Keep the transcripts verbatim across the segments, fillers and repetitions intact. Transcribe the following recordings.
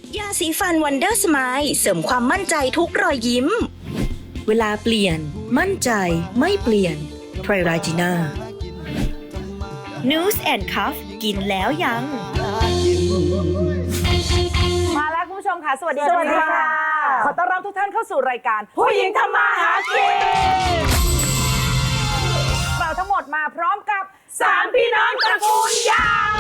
ยาสีฟันวันเดอร์สไมล์เสริมความมั่นใจทุกรอยยิ้ม เวลาเปลี่ยนมั่นใจไม่เปลี่ยนไทรราจิน่า News and Cuff กินแล้วยังมาแล้วคุณผู้ชมค่ะสวัสดีสวัสดีค่ะขอต้อนรับทุกท่านเข้าสู่รายการผู้หญิงทำมาหากินเราทั้งหมดมาพร้อมกับสามพี่น้องตระกูลยาง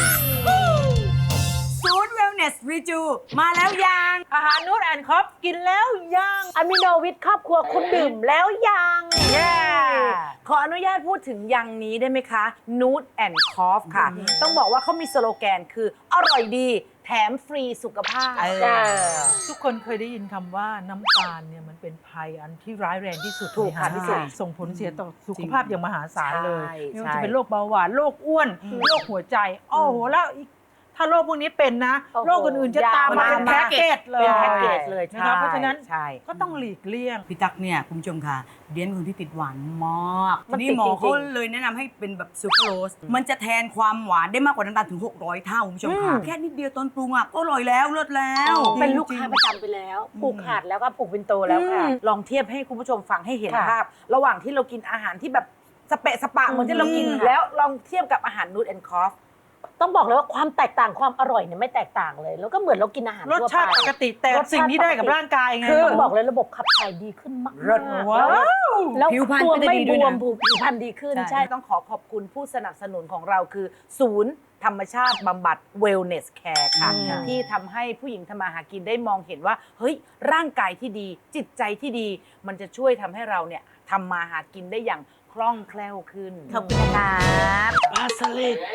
ศูนย์เวลเนสรีจูมาแล้วยางอาหารนูตแอนด์คอฟกินแล้วยังอะมิโนวิทครอบครัวคุณดื่มแล้วยังเย้ขออนุญาตพูดถึงยังนี้ได้ไหมคะนูตแอนด์คอฟค่ะ ต้องบอกว่าเขามีสโลแกนคืออร่อยดีแถมฟรีสุขภาพทุกคนเคยได้ยินคำว่าน้ำตาลเนี่ยมันเป็นภัยอันที่ร้ายแรงที่สุดถูกค่ะนพี่สุส่งผลเสียต่อสุขภาพอย่างมหาศาลเลยใช่ไม่ว่าใช่จะเป็นโรคเบาหวานโรคอ้วนโรคหัวใจโอ้โหแล้วอีกถ้าโรคพวกนี้เป็นนะโอ้โหโรคอื่นๆจะตามมาเป็นยาวมากแพ็กเกจเลยเป็นแพ็กเกจเลยนะครับใช่เพราะฉะนั้นใช่ก็ต้องหลีกเลี่ยงพี่ตั๊กเนี่ยคุณผู้ชมค่ะเดียนเป็นคนที่ติดหวานมากมันนี่ติดหมอจริงๆเขาเลยแนะนำให้เป็นแบบซูโครสมันจะแทนความหวานได้มากกว่าน้ำตาลถึงหกร้อยเท่าคุณผู้ชมค่ะแค่นิดเดียวตอนปรุงอ่ะก็อร่อยแล้วเลิศแล้วเป็นลูกค้าประจำไปแล้วผูกขาดแล้วก็ผูกเป็นโตแล้วค่ะลองเทียบให้คุณผู้ชมฟังให้เห็นค่ะภาพ ระหว่างที่เรากินอาหารที่แบบสเปะสปะเหมือนที่เรากินอืมแล้วลองเทียบกับอาหารนูตแอนด์คอฟต้องบอกเลยว่าความแตกต่างความอร่อยเนี่ยไม่แตกต่างเลย แล้วก็เหมือนเรากินอาหารรสทั่วชาติไปปกติแต่รสชาติสิ่งที่ได้กับปกติร่างกายไงคือต้องบอกเลยระบบขับถ่ายดีขึ้นมากๆเลิศว้าวแล้วผิวพรรณตัวก็จะไม่ดีบด้วยวนะมผิวพรรณดีขึ้นใช่ใช่ต้องขอขอบคุณผู้สนับสนุนของเราคือ ศูนย์ธรรมชาติบำบัด Wellness Care ค่ะอืมที่ทำให้ผู้หญิงทำมาหากินได้มองเห็นว่า เฮ้ย ร่างกายที่ดี จิตใจที่ดี มันจะช่วยทำให้เราเนี่ยทำมาหากินได้อย่างคล่องแคล่วขึ้นขอบคุณครับปลาสลิด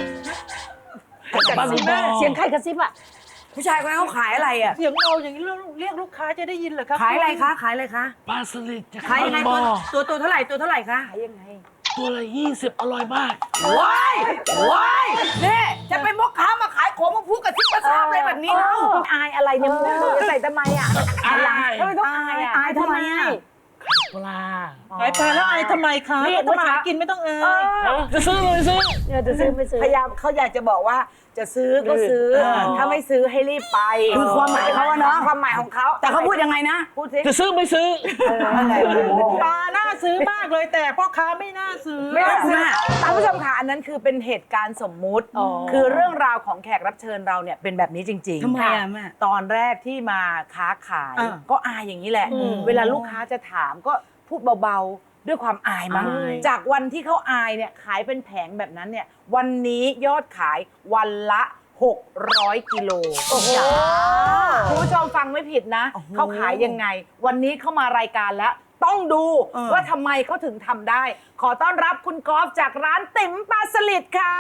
บ้าเสียงใครกระซิบอ่ะผู้ชายคนนั้นเขาขายอะไรอ่ะเสียงเราอย่างนี้เรียกลูกค้าจะได้ยินเหรอครับขายอะไรคะขายอะไรคะปลาสลิดจะขายยังไงบตัวอตัวตัวเท่าไหร่ตัวเท่าไหร่คะขายยังไงตัวละยี่สิบอร่อยมากว้ายว้ายเนี่ยจะเป็นพ่อค้ามาขายของมาพูดกับซิกกระซาบอะไรแบบนี้เล่าอายอะไรเนี่ยมึงจะใส่ทำไมอ่ะอายทำไมต้องอายอ่ะอายทำไมอ่ะปลาขายปลาแล้วอายทำไมคะนี่ก็ทำมาหาเมื่อเช้ากินไม่ต้องเอ่ยจะซื้อเลยซื้อเนี่ยจะซื้อไม่ซื้อพยายามเขาอยากจะบอกว่าจะซื้อก็ซื้อเออถ้าไม่ซื้อให้รีบไปคือความหมายเขาอะเนาะความหมายของเขาแต่เขาพูดยังไงนะพูดสิจะซื้อไม่ซื้ออะไรปลาน่าซื้อมากเลยแต่พ่อค้าไม่น่าซื้อไม่ได้ซื้อแม่ท่านผู้ชมค่ะอันนั้นคือเป็นเหตุการณ์สมมุติอ๋อคือเรื่องราวของแขกรับเชิญเราเนี่ยเป็นแบบนี้จริงๆทำไมอะแม่ตอนแรกที่มาค้าขายอ่าก็อายอย่างนี้แหละอืมเวลาลูกค้าจะถามก็พูดเบาๆ ด้วยความอายมั้งอายจากวันที่เขาอายเนี่ยขายเป็นแผงแบบนั้นเนี่ยวันนี้ยอดขายวันละหกร้อยกิโลโอ้โหคุณผู้ชมฟังไม่ผิดนะเขาขายยังไง วันนี้เข้ามารายการแล้ว ต้องดูเออว่าทำไมเขาถึงทำได้ ขอต้อนรับคุณกอล์ฟจากร้านติ๋มปลาสลิดค่ะ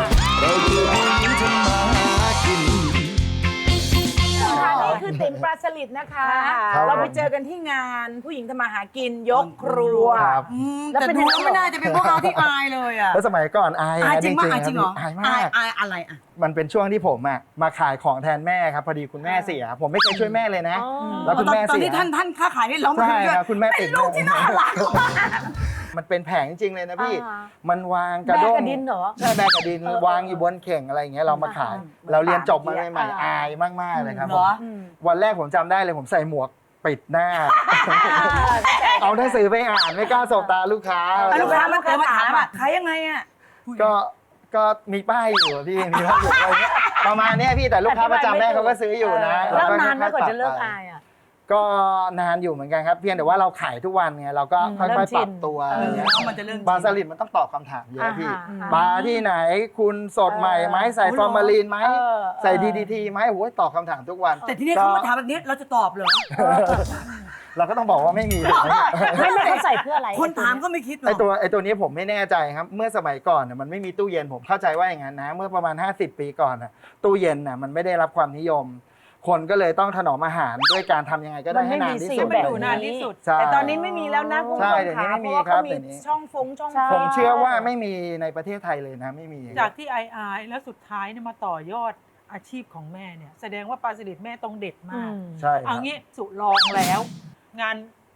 ค่ะนี่คือติ๋มปลาสลิดนะคะครับเราไปเจอกันที่งานผู้หญิงทำมาหากินยกครัวครับอืมแล้วแต่เป็นดูยังไงแล้วไม่น่าจะเป็นพวกเราที่อายเลยอ่ะแล้วสมัยก่อนอายอายนะจริงมากอายจริงเหรออายมาอายกอายอะไรอ่ะมันเป็นช่วงที่ผมอะมาขายของแทนแม่ครับพอดีคุณแม่เสีย ผมไม่เคยช่วยแม่เลยนะ แล้วคุณแม่ตอนเสียที่ท่านท่านค้าขายนี่เราไม่ใช่เคยช่วยครับคุณแม่เป็ตินดลูกที่น่ารักมากมันเป็นแผงจริงเลยนะพี่อ่ามันวางกระแม่ด้งกระดินเหรอใช่แม่กระดินเออวางอยู่บนเข่งอะไรอย่างเงี้ยเรามาขาย เราเรียนจบมาใหม่ๆอายมากๆเลยครับเหผรมอวันแรกผมจำได้เลยผมใส่หมวกปิดหน้า เอาหนังสือไปอ่านไม่กล้าสบตาลูกค้าอ่ะลูกค้ามาเกิดมาถามอ่ะขายยังไงอ่ะก็ก็มีป้ายอยู่อะพี่มีป้ายอยู่อะไรเงี้ยประมาณเนี้ยพี่แต่ลูกค้าประจำแม่เขาก็ซื้ออยู่นะแล้วนานไหมค่ยๆก่อนจะเลิกปรับไปอายอ่ะก็นานอยู่เหมือนกันครับ เพียงแต่ว่าเราขายทุกวันไงเราก็ค่เริ่อยมๆชิปรันบตัวเออออะไรเงี้ยแล้วมันจะเรื่องจริงปลาสลิดมันต้องตอบคำถามเยอะพี่อ่าฮะปลาที่ไหนคุณสดใหม่ไหมใส่อ๋อเหรอฟอร์มาลีนไหมเออใส่เออดีดีทีไหมโอ้ยตอบคำถามทุกวันแต่ทีนี้เขามาถามแบบนี้เราจะตอบเหรอเราก็ต้องบอกว่าไม่มีถูกไหมไม่ไม่เขาใส่เพื่ออะไรคนถามก็ไม่คิดหรไออกตัวไอตัวนี้ผมไม่แน่ใจครับ เมื่อสมัยก่อนน่ะมันไม่มีตู้เย็นผมเข้าใจว่าอย่างนั้นนะ เมื่อประมาณ ห้าสิบ ปีก่อนน่ะตู้เย็นน่ะมันไม่ได้รับความนิยม คนก็เลยต้องถนอมอาหารด้วยการทำยังไงก็ได้ให้นานที่สุดให้มันอยู่นานที่สุดใช่แต่ตอนนี้ไม่มีแล้วนะคุณผู้ใช่ชมเดี๋ยวนี้ค่ะไม่เพมีราะว่าครัเขาบมีเดี๋ยวนี้ช่องฟงช่องใช่ฟผมเชื่อว่าไม่มีในประเทศไทยเลยนะไม่มีจากที่อายอายแล้วสุดท้ายเนี่ยมาต่อยอดอาชีพของแม่เนี่ยแสดงว่าปลาสลิดแม่ต้องเด็ดอืมากมใช่ครับเอางี้สุลองแล้ว งาน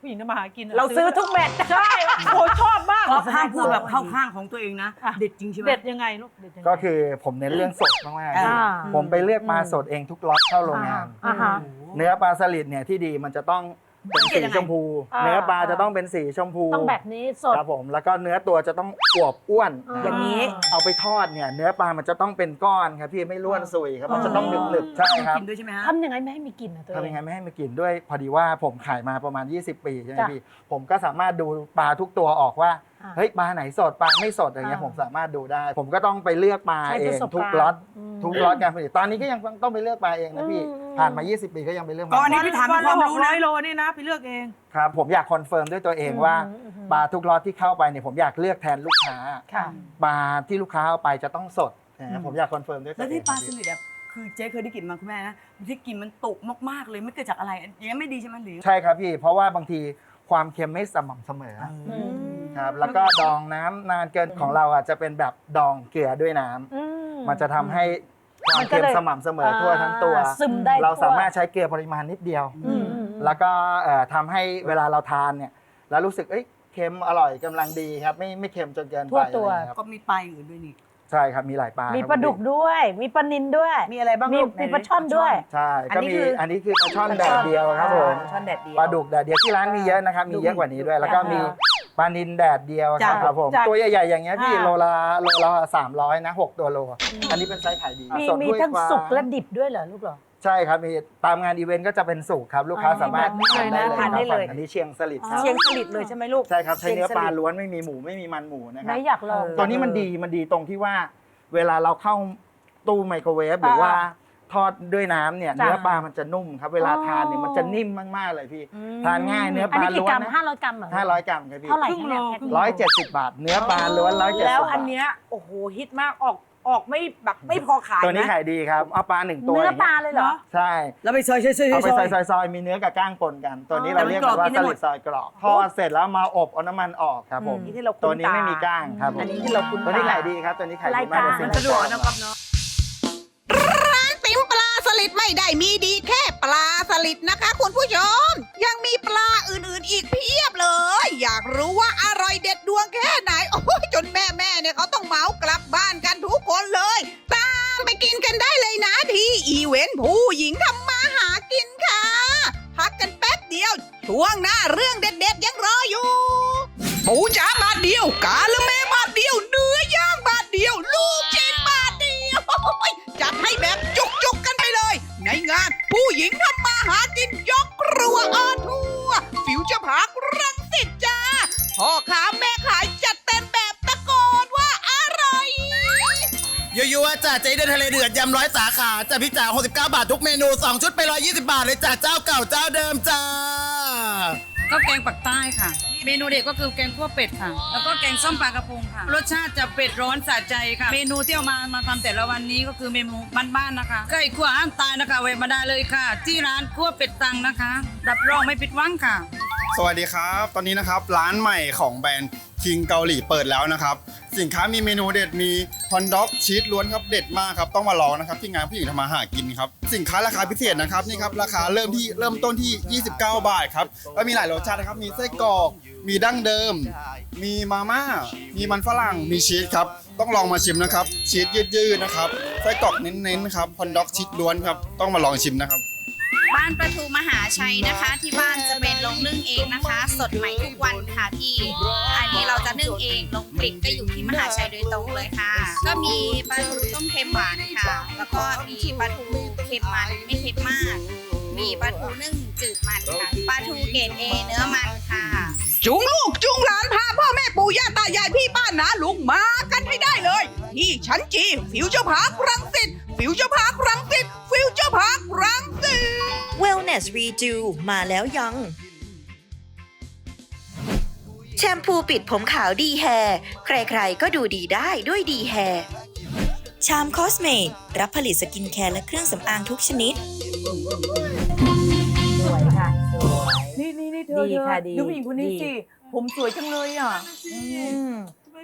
ผู้หญิงทำมาหากินอะเราซื้อทุกเม็ดใช่โอ้ชอบมากก็ห้ามพูดแบบเข้าข้างของตัวเองนะ เด็ดจริงใช่ไหมเด็ดยังไงลูกเด็ดยังไงก็คือผมเน้นเรื่องสดมากๆอ่าผมไปเลือกปลาสดเองทุกล็อตเข้าโรงงานอ่าฮะเนื้อปลาสลิดเนี่ยที่ดีมันจะต้องเป็นสีชมพูอ่าเนื้อปลาจะต้องเป็นสีชมพูต้องแบบนี้สดครับผมแล้วก็เนื้อตัวจะต้องอวบอ้วนอ่าอย่างนี้เอาไปทอดเนี่ยเนื้อปลามันจะต้องเป็นก้อนครับพี่ไม่ร่วนซุยครับมันจะต้องหนึบๆใช่ครับกินด้วยใช่ไหมฮะทำยังไงไม่ให้มีกลิ่นอะตัวเอทำงยังไงไม่ให้มันกลิ่นด้วยพอดีว่าผมขายมาประมาณ ยี่สิบ ปีใช่ไหมจ้ะพี่ผมก็สามารถดูปลาทุกตัวออกว่าอ่าเฮ้ยปลาไหนสดปลาไม่สดอะไรเงี้ยอ่าผมสามารถดูได้ ผมก็ต้องไปเลือกปลาใช้เอประงสบทุกการณ์ล็อตอืมทุกล็อตการผลิตตอนนี้ก็ยังต้องไปเลือกปลาเองนะพี่อืมผ่านมา ยี่สิบ ปีก็ยังไปเลือกก็อันนี้ปลาพี่ถามวันคละวามหรู้กร้นะอยโลนี่นะไปเลือกเองครับผมอยากคอนเฟิร์มด้วยตัวเองว่าอืมอืมปลาทุกล็อตที่เข้าไปเนี่ยผมอยากเลือกแทนลูกค้าค่ะปลาที่ลูกค้าเอาไปจะต้องสดนะผมอยากคอนเฟิร์มด้วยตัแล้ว วเองที่ปลาสลิดอ่ะคือเจ๊เคยได้กลิ่นมาคุณแม่นะที่กลิ่นมันตกมากๆเลยไม่เกิดจากอะไรอย่างนี้ยไม่ดีใช่ไหมหรือใช่ครับพี่เพราะว่าบางทีความเค็มไม่สม่ำเสมออืมครับแล้วก็ดองน้ำนานเกินของเราอ่ะจะเป็นแบบดองเกลือด้วยน้ำอืมันจะทำให้ความมันก็เค็มเลยสม่ำเสมอทั่วทั้งตัวอ่าซึมได้เราทั่วสามารถใช้เกลือปริมาณนิดเดียวอืมอืมแล้วก็เอ่อทำให้เวลาเราทานเนี่ยแล้วรู้สึกเอ้ยเค็มอร่อยกำลังดีครับไม่ไม่เค็มจนเกินทั่ไปวตัวอะไรเงี้ยครับก็มีปลาอย่างอื่นด้วยนี่ใช่ครับมีหลายปลามีครับปลาดุกด้วย มีปลานิลด้วยมีอะไรบ้างมีลูกมีปลาช่อนด้วยใช่อันก็นี้มีคืออัอันนี้คือปลาช่อนแดดเดียวครับผมช่อนแดดเดียวปลาดุกแดดเดียวที่ร้านมีเยอะนะครับมีเยอะกว่านี้ด้วย แล้วก็มีปลานิลแดดเดียวครับจ้ะครับผมจ้ะตัวใหญ่ๆอย่างเงี้ยพี่อ่าโลละโลละสามร้อยนะหกตัวโล อันนี้เป็นไซส์ขายดีมีสดมีด้วยทั้งกว่าสุกและดิบด้วยเหรอลูกเหรอใช่ครับมีตามงานอีเวนต์ก็จะเป็นสุกครับลูกค้าอ๋อสามารถแบบนี้เลยนะคทานได้รับเลยอันนี้เชียงสลิดครับเชียงสลิดเลยใช่ไหมลูกใช่ครับใช้เนื้อปลาชียงสดล้วนไม่มีหมูไม่มีมันหมูนะคไหนรับอยากลองตัวนี้มันดีมันดีตรงที่ว่า เวลาเราเข้าตู้ไมโครเวฟหรือว่าทอดด้วยน้ำเนี่ยจ้ะเนื้อปลามันจะนุ่มครับ เวลาอ๋อทานเนี่ยมันจะนิ่มมากๆเลยพี่ ทานง่ายเนื้อปอันลานี้กี่ล้วนกรัมนะห้าร้อยกรัมเหรอห้าร้อยกรัมครับพี่เท่าไหร่ครึ่งโลคะเนี่ยแพ็คหนึ่งร้อยเจ็ดสิบบาท เนื้อปลาล้วนร้อยเจ็ดสิบแล้วบาอัทนเนี้ยโอ้โหฮิตมากออกออกไม่แบบไม่พอขายตัวนี้นะขายดีครับเอาปลาหนึ่งตัวเนื้ออย่างปลาเงี้ยเลยเหรอใช่แล้วไปซอยซอยซอยเอาไปซอยซอยซอยๆมีเนื้อกับก้างปนกัน ตัวนี้อ๋อเราเรียกกันว่าแต่มันกรอบกินได้หมสลิดดซอยกรอบทอดเสร็จแล้วมาอบเอาน้ำมันออกครับผมอืมที่เราคุ้นตัวนี้ตาไม่มีก้างครับผมอันนี้ที่เราคุ้นตัวนี้ตาขายดีครับตัวนี้ขายดีรายมากการเป็มันสะดวกนะครับเนาะติ๋มปลาสลิดไม่ได้มีดีแค่ปลาสลิดนะคะคุณผู้ชม ยังมีปลาอื่นๆอีกเพียบเลย อยากรู้ว่าอร่อยเด็ดดวงแค่ไหน โอ้ยจนแม่ๆเนี่ยเขาต้องเหมากลับบ้านกันทุกคนเลย ตามไปกินกันได้เลยนะที่อีเวนต์ผู้หญิงทำมาหากินค่ะ พักกันแป๊บเดียว ช่วงหน้าเรื่องเด็ดๆยังรออยู่ ปูจ๋าบาทเดียว กาละเมบาทเดียว เนื้อย่างบาทเดียว ลูกชิ้นบาทเดียว จัดให้แบบจุกๆกันไปเลย ในงานผู้หญิงทำมาหากินยกครัวออนทัวร์ฟิวเจอร์พาร์ครังสิตจ้าพ่อค้าแม่ขายจัดเต็มแบบตะโกนว่าอร่อยยั่วๆจ้ะเจ๊เดินทะเลเดือดยำร้อยสาขาจ้ะพี่จ๋าหกสิบเก้าบาททุกเมนูสองชุดไปหนึ่งร้อยยี่สิบบาทเลยจ้ะเจ้าเก่าเจ้าเดิมจ้าก็แกงปักใต้ค่ะ เมนูเด็ดก็คือแกงคั่วเป็ดค่ะ แล้วก็แกงส้มปลากระพงค่ะ รสชาติจะเป็ดร้อนสะใจค่ะ เมนูที่เอามามาทำแต่ละวันนี้ก็คือเมนูบ้านๆนะคะไก่ขั่วห้ามตายนะคะแวะมาได้เลยค่ะ ที่ร้านคั่วเป็ดตังนะคะรับรองไม่ผิดหวังค่ะสวัสดีครับ ตอนนี้นะครับร้านใหม่ของแบรนด์คิงเกาหลีเปิดแล้วนะครับ สินค้ามีเมนูเด็ดมีฮอนด็อกชีสล้วนครับเด็ดมากครับต้องมาลองนะครับที่งานผู้หญิงทำมาหากินครับสินค้าราคาพิเศษนะครับนี่ครับราคาเริ่มที่เริ่มต้นที่ ยี่สิบเก้า บาทครับก็มีหลายรสชาตินะครับมีไส้กรอกมีดั้งเดิม มีมาม่ามีมันฝรั่งมีชีสครับต้องลองมาชิมนะครับชีสยืดๆนะครับไส้กรอกเน้นๆครับฮอนด็อกชีสล้วนครับต้องมาลองชิมนะครับบ้านประตูมหาชัยนะคะ ที่บ้านจะเป็นลงนึ่งเองนะคะ สดใหม่ทุกวันค่ะพี่อันนี้เราจะนึ่งเองลงกลิ่นก็อยู่ที่มหาชัยโดยตรงเลยค่ะ ก็มีปลาทูต้มเค็มหวานค่ะ แล้วก็มีปลาทูเค็มมันไม่เค็มมาก มีปลาทูนึ่งจืดมันค่ะปลาทูเกรดเอเนื้อมันค่ะจุงลูกจุงหลานพาพ่อแม่ปู่ย่าตายายพี่ป้าน้าลุงมากันให้ได้เลยที่ชั้นจีฟิวเจอร์พาร์ครังสิตฟิวเจอร์พาร์ครังสิตฟิวเจอร์พาร์ครังสิต Wellness Redo มาแล้วยัง แชมพูปิดผมขาวดีแฮร์ใครๆก็ดูดีได้ด้วยดีแฮร์ชามคอสเมตรับผลิตสกินแคร์และเครื่องสำอางทุกชนิดสวยค่ะ สวยนี่นี่นี่เธอดีค่ะเธอดีดูผู้หญิงคนนี้ดีสิ ผมสวยจังเลยอ่ะทำไม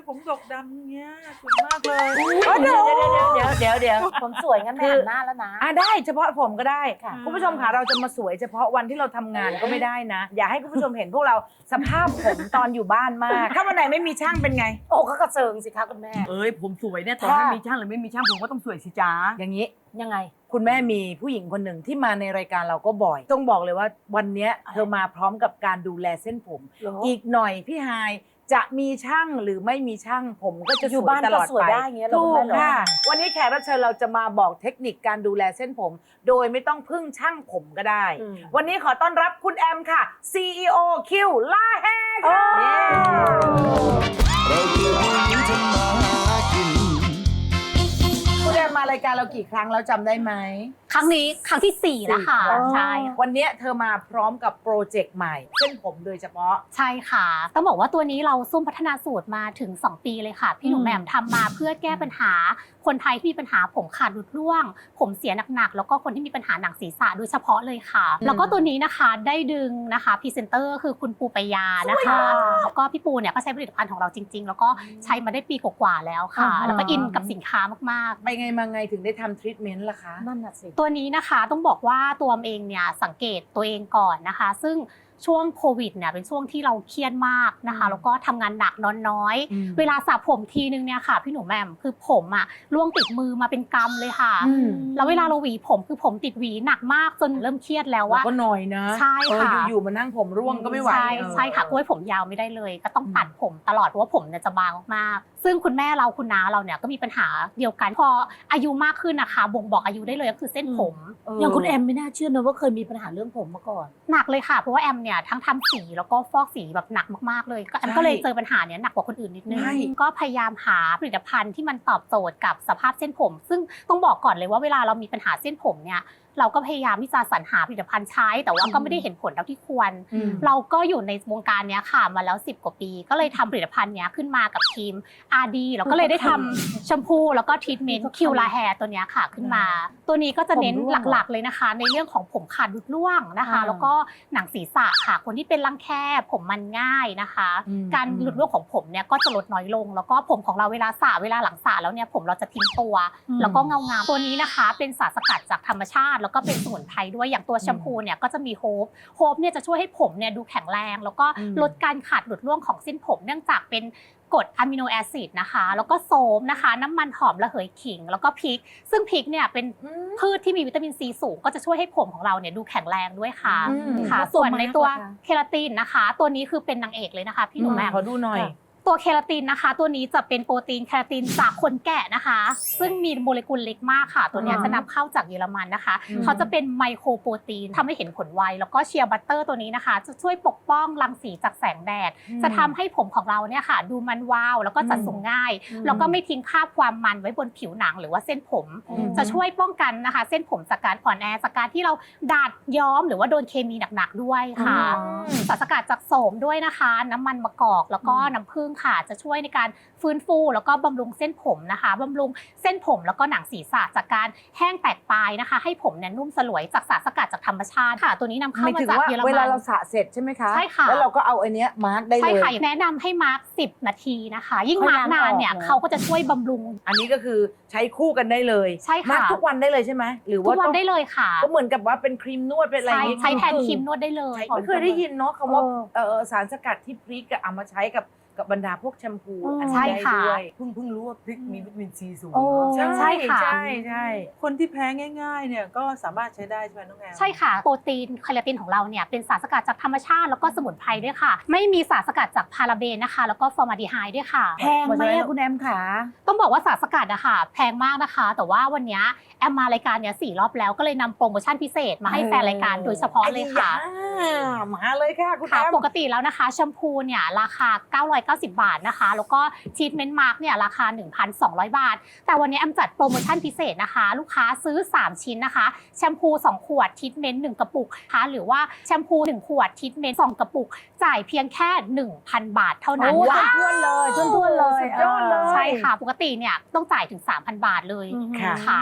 ผมดกดำเงี้ยสวยมากเลยเดี๋ยวเดี๋ยวเดี๋ยวเดี๋ยวเดี๋ยวผมสวยงั้นแม่คือหันหน้าแล้วนะอ่ะได้เฉพาะผมก็ได้ค่ะคุณผู้ชมค่ะเราจะมาสวยเฉพาะวันที่เราทำงานก็ไม่ได้นะ อย่าให้คุณผู้ชมเห็นพวกเราสภาพผมตอนอยู่บ้านมาก ถ้าวันไหนไม่มีช่างเป็นไงโอ้ก็กระเซิงสิคะคุณแม่เอ้ยผมสวยเนี่ยตอนค่ะไม่มีช่างหรือไม่มีช่างผมก็ต้องสวยสิจ้าอย่างนี้ยังไงคุณแม่มีผู้หญิงคนหนึ่งที่มาในรายการเราก็บ่อย ต้องบอกเลยว่าวันเนี้ยเธอมาพร้อมกับการดูแลเส้นผมเหรออีกหน่อยพี่ฮายจะมีช่างหรือไม่มีช่างผมก็จะอยู่สวยบ้านตลอดก็สวยไปได้อย่างเงี้ยเหรอถูคุณกแม่เหรอค่ะ วันนี้แขกรับเชิญเราจะมาบอกเทคนิคการดูแลเส้นผม โดยไม่ต้องพึ่งช่างผมก็ได้อืมวันนี้ขอต้อนรับคุณแอมค่ะ ซี อี โอ คิวล่าแฮค่ะเย้เราคือผู้หญิงทำมาหากินคุณแอมมารายการเรากี่ครั้งแล้วจำได้ไหมครั้งนี้ครั้งที่สี่แล้วค่ะสี่รั้งใช่วันนี้เธอมาพร้อมกับโปรเจกต์ใหม่ เส้นผมโดยเฉพาะใช่ค่ะ ต้องบอกว่าตัวนี้เราซุ่มพัฒนาสูตรมาถึง สอง ปีเลยค่ะ พี่หนุ่มแหม่มทำมาเพื่อแก้ปัญหาคนไทยที่มีปัญหาผมขาดหลุดร่วง ผมเสียหนักๆแล้วก็คนที่มีปัญหาหนังศีรษะโดยเฉพาะเลยค่ะ แล้วก็ตัวนี้นะคะได้ดึงนะคะพรีเซนเตอร์คือคุณปูปยานะคะแล้วก็พี่ปูเนี่ยก็ใช้ผลิตภัณฑ์ของเราจริง ๆ แล้วก็ใช้มาได้ปีกว่าๆแล้วค่ะอ่าฮะแล้วก็อินกับสินค้ามากๆไปไงมาไงถึงได้ทำทรีทเมนต์ล่ะคะนั่นน่ะสิตัวนี้นะคะต้องบอกว่าตัวเองเนี่ยสังเกตตัวเองก่อนนะคะ ซึ่งช่วงโควิดเนี่ยเป็นช่วงที่เราเครียดมากนะคะ แล้วก็ทำงานหนักนอนน้อยอืมเวลาสระผมทีนึงเนี่ยค่ะพี่หนูแหม่มคือผมอะร่วงติดมือมาเป็นกำเลยค่ะอืมแล้วเวลาเราหวีผมคือผมติดหวีหนักมากจนเริ่มเครียดแล้วเราว่าก็หน่อยนะใช่ค่ะเอออยู่ๆมานั่งผมร่วงก็ไม่ไหวใช่เออใช่ค่ะกล้วยผมยาวไม่ได้เลย ก็ต้องตัดผมตลอดเพราะว่าผมเนี่ยจะบางมากๆซึ่งคุณแม่เราคุณน้าเราเนี่ยก็มีปัญหาเดียวกันพออายุมากขึ้นนะคะบ่งบอกอายุได้เลยก็คือเส้นผมอย่างคุณแอมไม่น่าเชื่อนะว่าเคยมีปัญหาเรื่องผมมาก่อนหนักเลยค่ะเพราะว่าแอมเนี่ยทั้งทำสีแล้วก็ฟอกสีแบบหนักมากๆเลยก็แอมก็เลยเจอปัญหาเนี้ยหนักกว่าคนอื่นนิดนึงใช่ก็พยายามหาผลิตภัณฑ์ที่มันตอบโจทย์กับสภาพเส้นผม ซึ่งต้องบอกก่อนเลยว่าเวลาเรามีปัญหาเส้นผมเนี่ยเราก็พยายามที่จะสรรหาผลิตภัณฑ์ใช้ แต่ว่าก็ไม่ได้เห็นผลเท่าที่ควรอืมเราก็อยู่ในวงการเนี้ยค่ะมาแล้วสิบกว่าปี ก็เลยทำผลิตภัณฑ์เนี้ยขึ้นมากับทีม อาร์ ดี แล้วก็เลยได้ทำแชมพูแล้วก็ทรีทเมนต์คิวลาแฮร์ตัวเนี้ยค่ะขึ้นมา ตัวนี้ก็จะเน้นผมร่วงหลักๆเลยนะคะ ในเรื่องของผมขาดหลุดร่วงนะคะอ่าแล้วก็หนังศีรษะค่ะ คนที่เป็นรังแคผมมันง่ายนะคะอืมการหลุดร่วงของผมเนี่ยก็จะลดน้อยลง แล้วก็ผมของเราเวลาสระเวลาหลังสระแล้วเนี่ยผมเราจะทิ้งตัว แล้วก็เงางามตัวนี้นะคะเป็นสารสกัดจากธรรมชาติ แล้วก็เป็นสมุนไพรด้วยอย่างตัวแชมพูเนี่ยก็จะมีโฮปโฮปเนี่ยจะช่วยให้ผมเนี่ยดูแข็งแรง แล้วก็อืมลดการขาดหลุดร่วงของเส้นผม เนื่องจากเป็นกรดอะมิโนแอซิดนะคะ แล้วก็โสมนะคะ น้ำมันหอมระเหยขิง แล้วก็พริก ซึ่งพริกเนี่ยเป็นพืชที่มีวิตามินซีสูง ก็จะช่วยให้ผมของเราเนี่ยดูแข็งแรงด้วยค่ะอืมค่ะแล้วตัวส่วนในตัวมาร์คล่ะคะเคราตินนะคะ ตัวนี้คือเป็นนางเอกเลยนะคะพี่หนุ่มแหม่มขอดูหน่อยตัวเคราตินนะคะ ตัวนี้จะเป็นโปรตีนเคราตินจากคนแกะนะคะ ซึ่งมีโมเลกุลเล็กมากค่ะ ตัวเนี้ยอ่าจะนำเข้าจากเยอรมันนะคะอืมเขาจะเป็นไมโครโปรตีนทำให้เห็นผลไว แล้วก็เชียร์บัตเตอร์ตัวนี้นะคะ จะช่วยปกป้องรังสีจากแสงแดด จะทำให้ผมของเราเนี่ยค่ะ ดูมันวาว แล้วก็จัดทรงง่าย แล้วก็ไม่ทิ้งคราบความมันไว้บนผิวหนังหรือว่าเส้นผม จะช่วยป้องกันนะคะ เส้นผมจากการอ่อนแอจากการที่เราดาดย้อมหรือว่าโดนเคมีหนักๆด้วยค่ะ สารสกัดจากโสมด้วยนะคะ น้ำมันมะกอกแล้วก็น้ำผึ้งค่ะ จะช่วยในการฟื้นฟูแล้วก็บำรุงเส้นผมนะคะบำรุงเส้นผมแล้วก็หนังศีรษะจากการแห้งแตกปลายนะคะ ให้ผมเนี่ยนุ่มสลวยจากสารสกัดจากธรรมชาติค่ะ ตัวนี้นำเข้าไม่มาถึงจากว่าเยอรเวมัลาน เราสระเสร็จใช่ไหมคะใช่ค่ะแล้วเราก็เอาไอ้เนี้ยมาร์กได้เลยใช่ค่ะแนะนำให้มาร์กสิบนาทีนะคะ ยิ่งมาร์กนานเนี่ยเขาก็จะช่วยบำรุงอันนี้ก็คือใช้คู่กันได้เลยใช่ค่ะมาร์กทุกวันได้เลยใช่ไหมหรือทุว่ากวันต้องได้เลยค่ะก็เหมือนกับว่าเป็นครีมนวดเป็นอะไรอใช้ย่างงี้ใช้แทนครีมนวดได้เลยไม่เคยได้ยินเนาะคำว่าเออสารสกัดที่พริกอะเอามาใช้กับกับบรรดาพวกแชมพูอันนี้ใช่ได้ค่ะด้วยเพิ่งเพิ่งรู้ว่าพริกมีวิตามินซีสูงโอ้ใช่ใช่ค่ะใช่ใช่คนที่แพ้ง่ายๆเนี่ยก็สามารถใช้ได้ใช่ไหมน้องแอมใช่ค่ะ โปรตีนเคราตินของเราเนี่ยเป็นสารสกัดจากธรรมชาติแล้วก็สมุนไพรด้วยค่ะ ไม่มีสารสกัดจากพาราเบนนะคะ แล้วก็ฟอร์มาลดีไฮด์ด้วยค่ะแพงไหมอะคุณแอมขาต้องบอกว่าสารสกัดอะค่ะแพงมากนะคะ แต่ว่าวันเนี้ยแอมมารายการเนี้ยสี่รอบแล้วก็เลยนำโปรโมชั่นพิเศษมาให้แฟนรายการโดยเฉพาะเลยค่ะอ่ามาเลยค่ะคุณแอค่ะมปกติแล้วนะคะแชมพูเนี่ยราคาเก้าร้อยเก้าสิบบาทนะคะ แล้วก็ทรีทเมนต์มาร์กเนี่ยราคา หนึ่งพันสองร้อย บาท แต่วันนี้แอมจัดโปรโมชั่นพิเศษนะคะ ลูกค้าซื้อสามชิ้นนะคะแชมพูสองขวดทรีทเมนต์หนึ่งกระปุกนะคะหรือว่าแชมพูหนึ่งขวดทรีทเมนต์สองกระปุกจ่ายเพียงแค่ หนึ่งพัน บาทเท่านั้นโอ้ค่ะท้วนๆเลยท้วนๆเลยสุดยอดเลยใช่ค่ะปกติเนี่ยต้องจ่ายถึง สามพัน บาทเลยค่ะค่ะ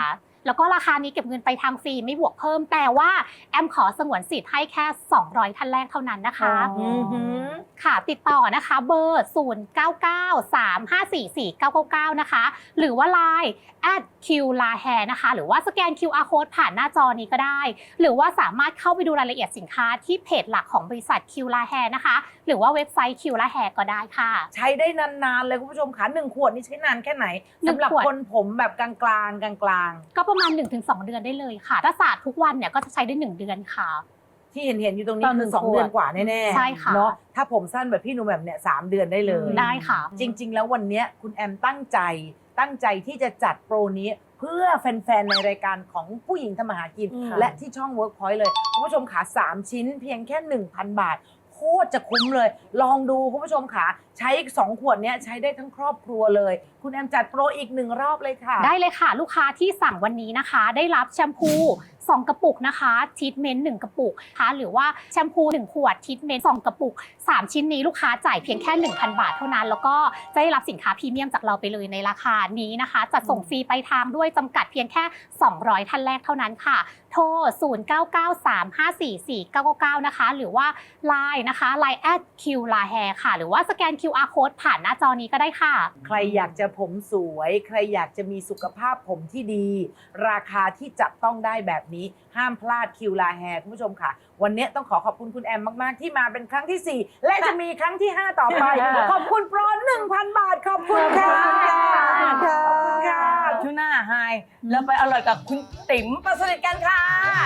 แล้วก็ราคานี้เก็บเงินไปทางฟรีไม่บวกเพิ่มแต่ว่าแอมขอสงวนสิทธิ์ให้แค่สองร้อยท่านแรกเท่านั้นนะคะอือหือค่ะติดต่อนะคะเบอร์ ศูนย์ เก้า เก้า สาม ห้า สี่ สี่ เก้า เก้า เก้า นะคะหรือว่า ไลน์ แอท คิว ลา แฮร์ นะคะหรือว่าสแกน คิว อาร์ Code ผ่านหน้าจอนี้ก็ได้หรือว่าสามารถเข้าไปดูรายละเอียดสินค้าที่เพจหลักของบริษัท คิว ลา แฮร์ นะคะหรือว่าเว็บไซต์ คิว ลา แฮร์ ก็ได้ค่ะใช้ได้นานๆเลยคุณผู้ชมค่ะหนึ่งขวดนี่ใช้นานแค่ไหนหนึ่งสำหรับขวดคนผมแบบกลางๆกลางๆก็ประมาณ หนึ่งถึงสอง เดือนได้เลยค่ะถ้าสระทุกวันเนี่ยก็จะใช้ได้หนึ่งเดือนค่ะที่เห็นเห็นๆอยู่ตรงนี้ตอนหนึ่คือง สองขวดเดือนกว่าแน่ๆใช่ค่ะเนาะถ้าผมสั้นแบบพี่หนูแบบเนี่ยสามเดือนได้เลยได้ค่ะจริง ๆ แล้ววันเนี้ยคุณแอมตั้งใจตั้งใจที่จะจัดโปรนี้เพื่อแฟนๆในรายการของผู้หญิงทำมาหากินอืมและที่ช่อง Workpoint เลยคุณผู้ชมขาสามชิ้นเพียงแค่ หนึ่งพัน บาท โคตรจะคุ้มเลย ลองดูคุณผู้ชมขาใช้สองขวดเนี้ยใช้ได้ทั้งครอบครัวเลย คุณแอมจัดโปรอีกหนึ่งรอบเลยค่ะได้เลยค่ะลูกค้าที่สั่งวันนี้นะคะ ได้รับแชมพูสองกระปุกนะคะทรีทเมนต์หนึ่งกระปุกนะคะหรือว่าแชมพูหนึ่งขวดทรีทเมนต์สองกระปุกสามชิ้นนี้ลูกค้าจ่ายเพียงแค่ หนึ่งพัน บาทเท่านั้น แล้วก็จะได้รับสินค้าพรีเมียมจากเราไปเลยในราคานี้นะคะจัดส่งฟรีไปทางด้วยจำกัดเพียงแค่สองร้อยท่านแรกเท่านั้นค่ะโทร ศูนย์ เก้า เก้า สาม ห้า สี่ สี่ เก้า เก้า เก้า นะคะหรือว่า ไลน์ นะคะ ไลน์ แอท คิว ลา แฮร์ ค่ะหรือว่าสแกน คิว อาร์ Code ผ่านหน้าจอนี้ก็ได้ค่ะใครอยากจะผมสวย ใครอยากจะมีสุขภาพผมที่ดี ราคาที่จับต้องได้แบบนี้ห้ามพลาดคิวลาแฮร์คุณผู้ชมค่ะ วันนี้ต้องขอขอบคุณคุณแอมมาก ๆ ที่มาเป็นครั้งที่ สี่ และจะมีครั้งที่ ห้า ต่อไป ขอบคุณโปร หนึ่งพัน บาท ขอบคุณค่ะขอบคุณค่ะช่วงหน้าไฮแล้วไปอร่อยกับคุณติ๋มประสนิทกันค่ะ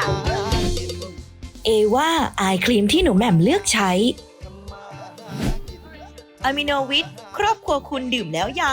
เอว่าอายครีมที่หนูแหม่มเลือกใช้อะมิโนวิทครอบครัวคุณดื่มแล้วยัง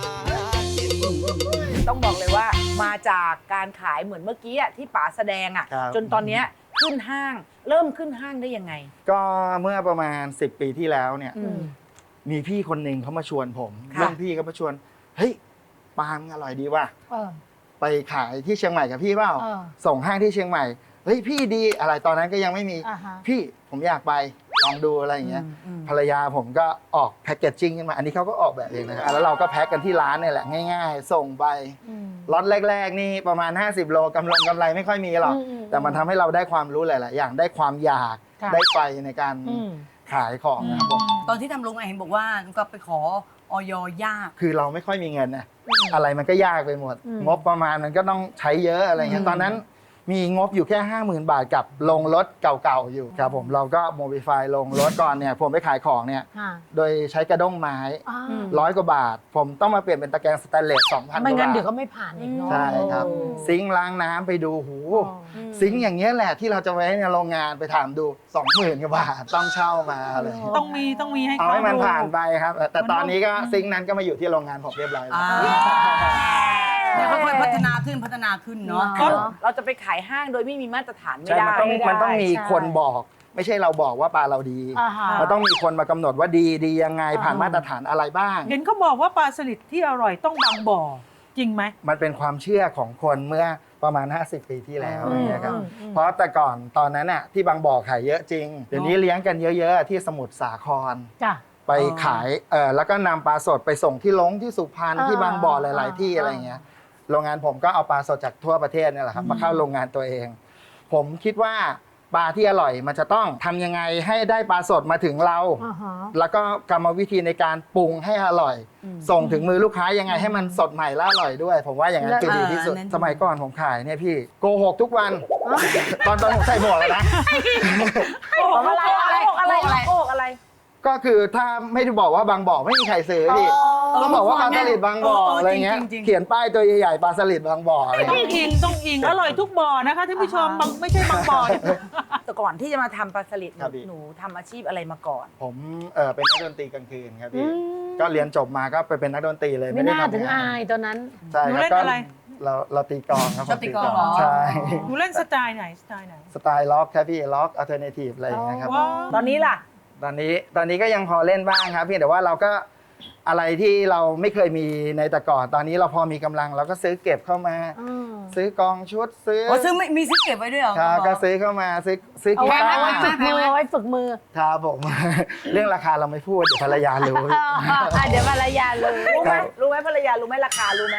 ต้องบอกเลยว่ามาจากการขายเหมือนเมื่อกี้อะที่ป๋าแสดงอ่ะครับจนตอนเนี้ยขึ้นห้าง เริ่มขึ้นห้างได้ยังไงก็เมื่อประมาณสิบปีที่แล้วเนี่ยอืมมีพี่คนหนึ่งเขามาชวนผมค่ะเรื่องพี่ก็มาชวนเฮ้ยปาล์มอร่อยดีว่ะเออไปขายที่เชียงใหม่กับพี่เปล่าเออส่งห้างที่เชียงใหม่เฮ้ยพี่ดีอะไรตอนนั้นก็ยังไม่มีอ่าฮะพี่ผมอยากไปลองดูอะไรอย่างเงี้ยอืมอืมภรรยาผมก็ออกแพ็กเกจจิ้งขึ้นมาอันนี้เขาก็ออกแบบเองนะครับแล้วเราก็แพ็กกันที่ร้านเนี่ยแหละง่าย ๆ ส่งไปล็อตแรก ๆ นี่ประมาณ ห้าสิบ โลกำไรกำไรไม่ค่อยมีหรอกอืมอืมแต่มันทำให้เราได้ความรู้หลาย ๆ อย่างได้ความอยากค่ะได้ไฟในการอืมขายของนะครับผมตอนที่ทำโรงงานเห็นบอกว่าก็ไปขอออยยากคือเราไม่ค่อยมีเงินนะอะไรมันก็ยากไปหมดอืมงบประมาณมันก็ต้องใช้เยอะอะไรเงี้ยตอนนั้นมีงบอยู่แค่ ห้าหมื่น บาทกับลงรถเก่าๆอยู่ครับผมเราก็โมบิฟายลงรถก่อนเนี่ยผมไปขายของเนี่ยค่ะโดยใช้กระด้งไม้อ่าร้อยกว่าบาท ผมต้องมาเปลี่ยนเป็นตะแกรงสแตนเลสสองพันกไม่ว่างั้นบาทเดี๋ยวก็ไม่ผ่านอีกเนาะใช่ครับ ซิงค์ล้างน้ำไปดูหูซิงค์อย่างเงี้ยแหละที่เราจะไว้ในโรงงานไปถามดู สองหมื่น กว่าบาทต้องเช่ามาอะไรอย่างเงี้ยต้องมีต้องมีให้เอาเขาให้มันดูผ่านไปครับ แต่ตอนนี้ก็ซิงค์นั้นก็มาอยู่ที่โรงงานผมเรียบร้อยแล้วเดี๋ยวค่อยๆพัฒนาขึ้นพัฒนาขึ้นเนาะคือเราจะไปขายห้างโดยไม่มีมาตรฐานไม่ใช่ได้มันต้องมันต้องมีใช่คนบอก ไม่ใช่เราบอกว่าปลาเราดีอ่าฮะมันต้องมีคนมากำหนดว่าดีดียังไงผ่านอ่ามาตรฐานอะไรบ้างเห็นเขาบอกว่าปลาสลิดที่อร่อยต้องบางบ่อจริงไหมมันเป็นความเชื่อของคนเมื่อประมาณ ห้าสิบ ปีที่แล้วอืมอย่างเงี้ยครับอืมอืมเพราะแต่ก่อนตอนนั้นน่ะที่บางบ่อขายเยอะจริง เดี๋ยวนี้เลี้ยงกันเยอะๆที่สมุทรสาครจ้ะไปขายเออแล้วก็นำปลาสดไปส่งที่ลงที่สุพรรณอ่าที่บางบ่อหลาย ๆ ที่อ่าอะไรเงี้ยโรงงานผมก็เอาปลาสดจากทั่วประเทศเนี่ยแหละครับมาเข้าโรงงานตัวเอง ผมคิดว่าปลาที่อร่อยมันจะต้องทำยังไงให้ได้ปลาสดมาถึงเราอ่าฮะแล้วก็กรรมวิธีในการปรุงให้อร่อย ส่งถึงมือลูกค้ายังไงให้มันสดใหม่และอร่อยด้วย ผมว่าอย่างนั้นคือดีที่สุดเออนั่นสมัยก่อนผมขายเนี่ยพี่โกหกทุกวัน ตอนตอนผมใส่หมวกเลยนะโอ้อะไรอะไรโอ้อะไรโอ้อะไรก็คือถ้าไม่ได้บอกว่าบางบ่อไม่มีใครซื้อพี่ต้องบอกว่าปลาสลิดบางบ่ออะไรเงี้ยเขียนป้ายตัวใหญ่ๆปลาสลิดบางบ่ออะไรต้องเงี้ยอิงต้องอิงอร่อยทุกบ่อนะคะท่านผู้ชมบางไม่ใช่บางบ่อแต่ก่อนที่จะมาทำปลาสลิดหครันูบพี่หนูทำอาชีพอะไรมาก่อนผมเออเป็นนักดนตรีกลางคืนครับพี่ก็เรียนจบมาก็ไปเป็นนักดนตรีเลยไม่ไม่ได้น่าถึงทำงาอาน ยตอนนั้นใช่หนูครับเล่นก็อะไรเราเราตีกลองครับชอบตีกลองเหรอใช่หนูเล่นสไตล์ไหนสไตล์ไหนสไตล์ล็อกครับพี่ล็อกอัลเทอร์เนทีฟอะไรอย่างเงี้ยครับว้าวตอนนี้ล่ะตอนนี้ตอนนี้ก็ยังพอเล่นบ้างครับเพียงแต่ว่าเราก็อะไรที่เราไม่เคยมีในแต่ก่อน ตอนนี้เราพอมีกำลังเราก็ซื้อเก็บเข้ามา ซื้อกองชุดซื้ออ๋อซื้อไม่มีซื้อเก็บไว้ด้วยเหรอครับก็ซื้อเข้ามาซื้อซื้อเอากีไว้ตาไว้ฝึกร์มือเอาไว้ฝึกมือครับผม เรื่องราคาเราไม่พูดเดี๋ยวภรรยารู้อ่ะเดี๋ยวภรรยาเลยรู้ไหมครับรู้ไหมภรรยารู้ไหมราคารู้ไหม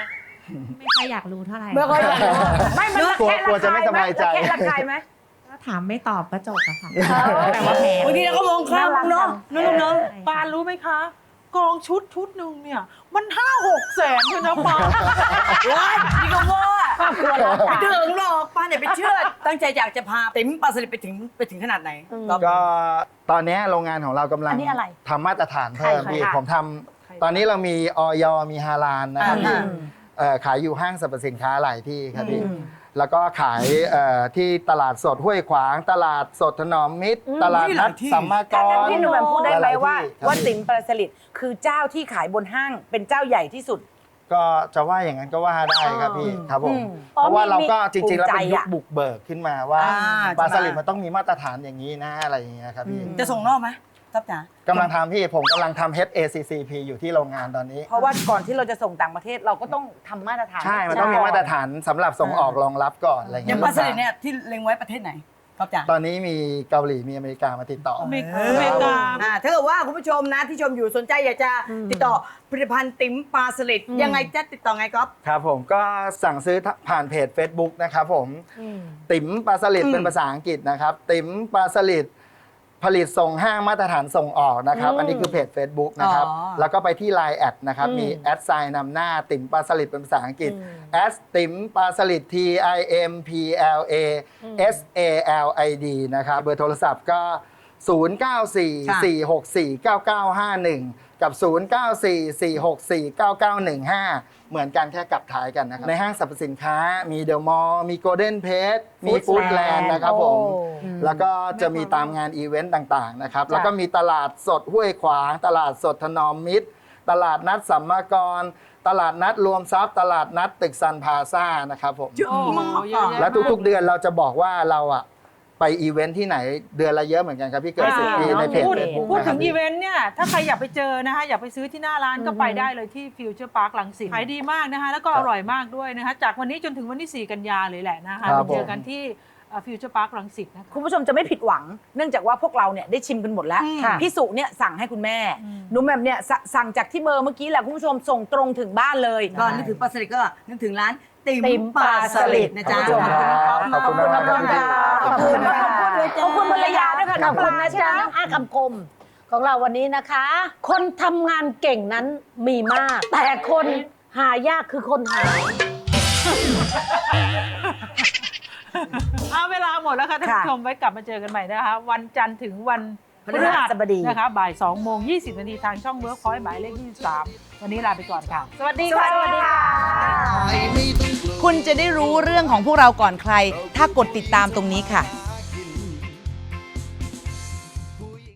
ไม่ค่อยอยากรู้เท่าไหร่ไม่ค่อยอยากรู้ไม่มันกลัวกลัวจะไม่สบายใจระแคะระคายไหมถ้าถามไม่ตอบก็จบอะค่ะ แต่ว่าแพงบางทีเราก็มองข้ามเนาะน้องๆเนาะปานรู้ไหมคะ กองชุดชุดหนึ่งเนี่ย มันห้าหกแสนเลยนะปานว้ายนี่ก็ว่าไม่ถึงหรอกป้าเนี่ยไปเชื่อ ตั้งใจอยากจะพาติ๋มปลาสลิดไปถึงไปถึงขนาดไหนก็ตอนนี้โรงงานของเรากำลังอันนี้อะไรทำมาตรฐานเพิ่มใครพี่คะผมทำตอนนี้เรามีออยมีฮาลาลนะครับพี่เอ่อขายอยู่ห้างสรรพสินค้าหลายที่ครับพี่แล้วก็ขายเอ่อที่ตลาดสดห้วยขวาง ตลาดสดถนอมมิตร ตลาดนัดสัมมากถ้าร งั้นพี่หนุ่มแหม่มพูดได้ไหมลยๆว่าที่ครับว่าพี่ติ๋มปลาสลิดคือเจ้าที่ขายบนห้างเป็นเจ้าใหญ่ที่สุดก็จะว่าอย่างนั้นก็ว่าได้ครับพี่ครับผมอืมเพราะว่าเราก็มีจริงๆแล้วเป็นภูมิใจยุคอะบุกเบิกขึ้นมาว่าอ่าปลาใช่สไหมลิดมันต้องมีมาตรฐานอย่างนี้นะอะไรอย่างเงี้ยครับพี่จะส่งนอกไหมทับจ๋ากำลังทำพี่ผมกำลังทำ เอช เอ ซี ซี พี อยู่ที่โรงงานตอนนี้เพราะว่าก่อนที่เราจะส่งต่างประเทศเราก็ต้องทำมาตรฐานใช่ มันต้องมีมาตรฐานสำหรับส่งออกรองรับก่อนอะไรอเงี้ย่างยปลาสลิดเนี่ยที่เล็งไว้ประเทศไหนครับจ๋าตอนนี้มีเกาหลีมีอเมริกามาติดต่ออเมริเอกาออ่าถ้าเกิดว่าคุณผู้ชมนะที่ชมอยู่สนใจอยากจะติดต่อผลิตภัณฑ์ติ๋มปลาสลิดยังไงจะติดต่อไงก๊อฟครับผมก็สั่งซื้อผ่านเพจ Facebook นะครับผมติ๋มปลาสลิดอืมเป็นภาษาอังกฤษนะครับ ติ๋มปลาสลิดผลิตส่งห้างมาตรฐานส่งออกนะครับ อันนี้คือเพจ Facebook นะครับอ๋อแล้วก็ไปที่ ไลน์ แอดนะครับ มีแอดไซน์นำหน้าติ๋มปลาสลิดเป็นภาษาอังกฤษแอดติ๋มปลาสลิด T I M P L A S A L I D นะครับ เบอร์โทรศัพท์ก็ ศูนย์ เก้า สี่ สี่ หก สี่ เก้า เก้า ห้า หนึ่ง กับ ศูนย์ เก้า สี่ สี่ หก สี่ เก้า เก้า หนึ่ง ห้า เหมือนกันแค่กลับท้ายกันนะครับ ในห้างสรรพสินค้ามีเดอะมอลล์มีโกลเด้นเพจมีฟู้ดแลนด์นะครับผม แล้วก็จะมีตามงานอีเวนต์ต่างๆนะครับ แล้วก็มีตลาดสดห้วยขวาง ตลาดสดถนอมมิตร ตลาดนัดสัมมากร ตลาดนัดรวมทรัพย์ ตลาดนัดตึกซันพลาซ่านะครับผมเยอะมากเยอะแยะและทุกๆเดือนเราจะบอกว่าเราอะไปอีเวนท์ที่ไหนเดือนละเยอะเหมือนกันครับพี่เกิดสิบปีในเพจพูดเฟซบุ๊กพูดนะคถึรับงอีเวนต์เนี่ย ถ้าใครอยากไปเจอนะคะ อยากไปซื้อที่หน้าร้านก็ไปได้เลยที่ฟิวเจอร์พาร์คลังสิตขายดีมากนะคะ แล้วก็อร่อยมากด้วยนะคะ จากวันนี้จนถึงวันที่สี่กันยาเลยแหละนะคะครัไปบเจอกันที่ฟิวเจอร์พาร์คลังสิตนะคะคุณผู้ชมจะไม่ผิดหวัง เนื่องจากว่าพวกเราเนี่ยได้ชิมกันหมดแล้วค่ะพี่สุเนี่ยสั่งให้คุณแม่หนุ่มแหม่มเนี่ยสสั่งจากที่เบอร์เมื่อกี้แหละคุณผู้ชมส่งตรงถึงบ้านเลยก็นึกถึงปลาสลิดก็นึกถึงร้านติ๋มติ๋มปลาสลิดนะจ๊ะขอบคุณมากครับพี่ขอบคุณมากขอบคุณภรรยาด้วยค่ะขน้ออบ งคุปณลานะใช่จ๊ะไหมน้องอาคำคมของเราวันนี้นะคะ คนทำงานเก่งนั้นมีมาก แต่คนหายากคือคนหาเอาเวลาหมดแล้วค่ะท่านผู้ชมไว้กลับมาเจอกันใหม่นะคะ วันจันทร์ถึงวันพฤหัสบดีนะคะบ่ายสองโมงยี่สิบนาทีทางช่องเวิร์คพอยต์หมายเลขยี่สิบสามวันนี้ลาไปก่อนค่ะ สวัสดีค่ะสวัสดีค่ะคุณจะได้รู้เรื่องของพวกเราก่อนใคร ถ้ากดติดตามตรงนี้ค่ะ